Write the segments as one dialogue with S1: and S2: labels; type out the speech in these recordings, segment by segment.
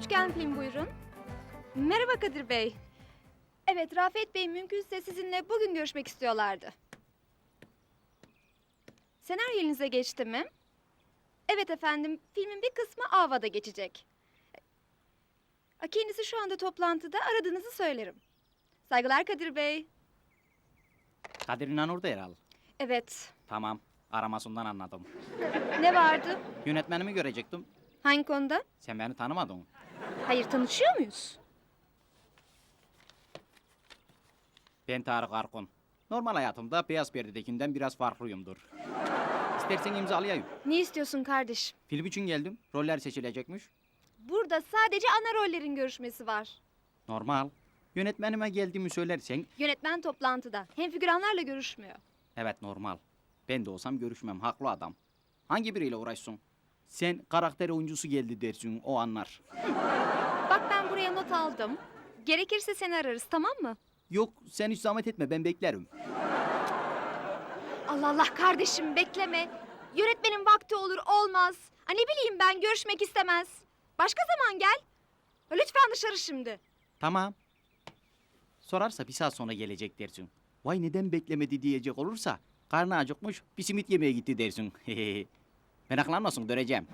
S1: Üçgen film buyurun. Merhaba Kadir Bey. Evet, Rafet Bey mümkünse sizinle bugün görüşmek istiyorlardı. Senaryo elinize geçti mi? Evet efendim, filmin bir kısmı Ava'da geçecek. Kendisi şu anda toplantıda, aradığınızı söylerim. Saygılar Kadir Bey.
S2: Kadir İnanur da herhal.
S1: Evet,
S2: Tamam, aramasından anladım.
S1: ne vardı?
S2: Yönetmenimi görecektim.
S1: Hangi konuda?
S2: Sen beni tanımadın.
S1: Hayır, tanışıyor muyuz?
S2: Ben Tarık Arkun. Normal hayatımda beyaz perdedekinden biraz farklıyımdır. İstersen imzalayayım.
S1: Ne istiyorsun kardeş?
S2: Film için geldim. Roller seçilecekmiş.
S1: Burada sadece ana rollerin görüşmesi var.
S2: Normal. Yönetmenime geldiğimi söylersen...
S1: Yönetmen toplantıda. Hem figüranlarla görüşmüyor.
S2: Evet normal. Ben de olsam görüşmem. Haklı adam. Hangi biriyle uğraşsın? Sen karakter oyuncusu geldi dersin. O anlar.
S1: Bak ben buraya not aldım. Gerekirse seni ararız, tamam mı?
S2: Yok sen hiç zahmet etme. Ben beklerim.
S1: Allah Allah kardeşim bekleme. Yönetmenin vakti olur olmaz. Ne bileyim ben görüşmek istemez. Başka zaman gel. Lütfen dışarı şimdi.
S2: Tamam. Sorarsa bir saat sonra gelecek dersin. Vay neden beklemedi diyecek olursa karnı acıkmış bir simit yemeye gitti dersin. Meraklanmasın döneceğim.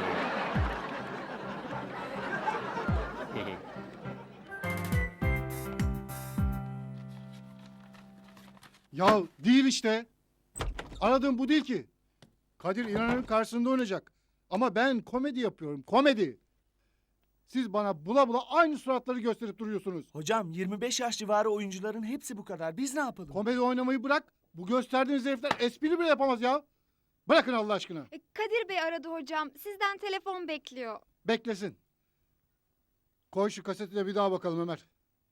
S3: Ya değil işte. Aradığım bu değil ki. Kadir İnanır'ın karşısında oynayacak. Ama ben komedi yapıyorum, komedi. Siz bana bula bula aynı suratları gösterip duruyorsunuz.
S4: Hocam 25 yaş civarı oyuncuların hepsi bu kadar. Biz ne yapalım?
S3: Komedi oynamayı bırak. Bu gösterdiğiniz herifler espri bile yapamaz ya. Bırakın Allah aşkına.
S1: Kadir Bey aradı hocam. Sizden telefon bekliyor.
S3: Beklesin. Koy şu kaseti de bir daha bakalım Ömer.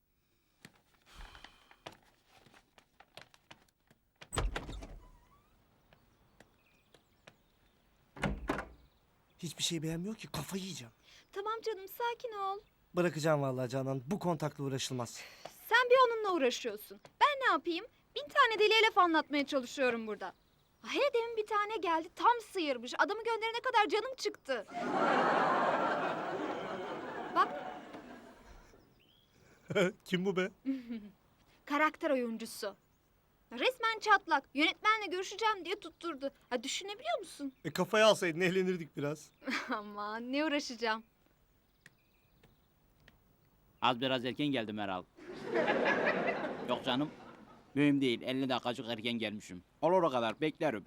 S4: Hiçbir şey beğenmiyor ki, kafayı yiyeceğim.
S1: Tamam canım sakin ol.
S4: Bırakacağım vallahi Canan. Bu kontakla uğraşılmaz.
S1: Sen bir onunla uğraşıyorsun. Ben ne yapayım? 1000 tane deliye laf anlatmaya çalışıyorum burada. Hele demin bir tane geldi tam sıyırmış. Adamı gönderene kadar canım çıktı. Bak
S4: Kim bu be?
S1: karakter oyuncusu. Resmen çatlak. Yönetmenle görüşeceğim diye tutturdu. Düşünebiliyor musun?
S4: Kafaya alsaydın eğlenirdik biraz.
S1: Aman ne uğraşacağım.
S2: Az biraz erken geldim herhal. Yok canım. Mühim değil. 50 dakikacık erken gelmişim. Olur o kadar beklerim.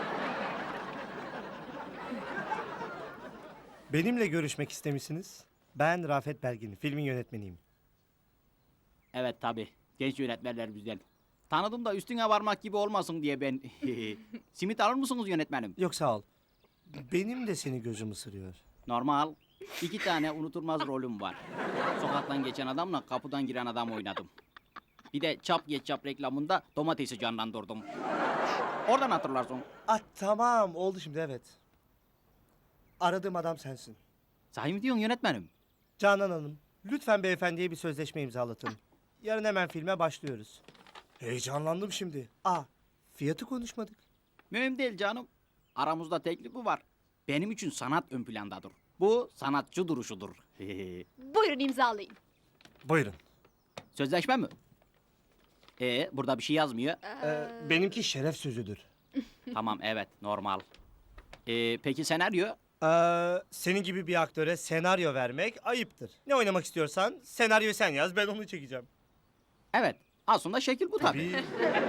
S5: Benimle görüşmek istemişsiniz. Ben Rafet Belgin, filmin yönetmeniyim.
S2: Evet tabi. Genç yönetmenler güzel. Tanıdım da üstüne varmak gibi olmasın diye ben... Simit alır mısınız yönetmenim?
S5: Yok sağ ol. Benim de seni gözüm ısırıyor.
S2: Normal. 2 tane unutulmaz rolüm var. Sokaktan geçen adamla kapıdan giren adam oynadım. Bir de çap geç çap reklamında domatesi canlandırdım. Oradan hatırlarsın.
S5: Tamam oldu şimdi evet. Aradığım adam sensin.
S2: Sahi mi diyorsun yönetmenim?
S5: Canan Hanım, lütfen beyefendiye bir sözleşme imzalatın. Yarın hemen filme başlıyoruz. Heyecanlandım şimdi. Fiyatı konuşmadık.
S2: Mühim değil canım. Aramızda teklifi var. Benim için sanat ön plandadır. Bu sanatçı duruşudur.
S1: Buyurun imzalayın.
S5: Buyurun.
S2: Sözleşme mi? Burada bir şey yazmıyor.
S5: Benimki şeref sözüdür.
S2: Tamam evet normal. Peki senaryo?
S5: Senin gibi bir aktöre senaryo vermek ayıptır. Ne oynamak istiyorsan senaryoyu sen yaz, ben onu çekeceğim.
S2: Evet. Aslında şekil bu tabii.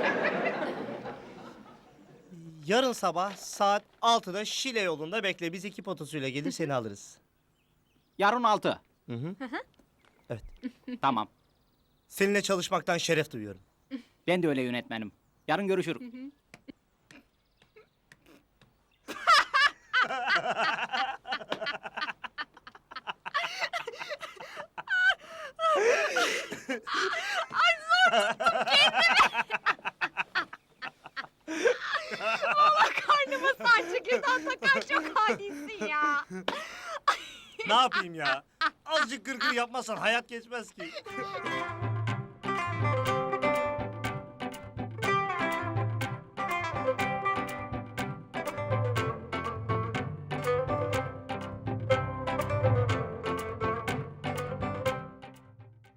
S5: Yarın sabah saat 6'da Şile yolunda bekle. Biz ekip otosuyla gelir seni alırız.
S2: Yarın 6.
S5: Hı hı. Evet.
S2: Tamam.
S5: Seninle çalışmaktan şeref duyuyorum.
S2: Ben de öyle yönetmenim. Yarın görüşürüz.
S1: Karnıma saç çekirdeği takar çok hadisin ya.
S5: Ne yapayım ya? Azıcık gırgır yapmazsan hayat geçmez ki.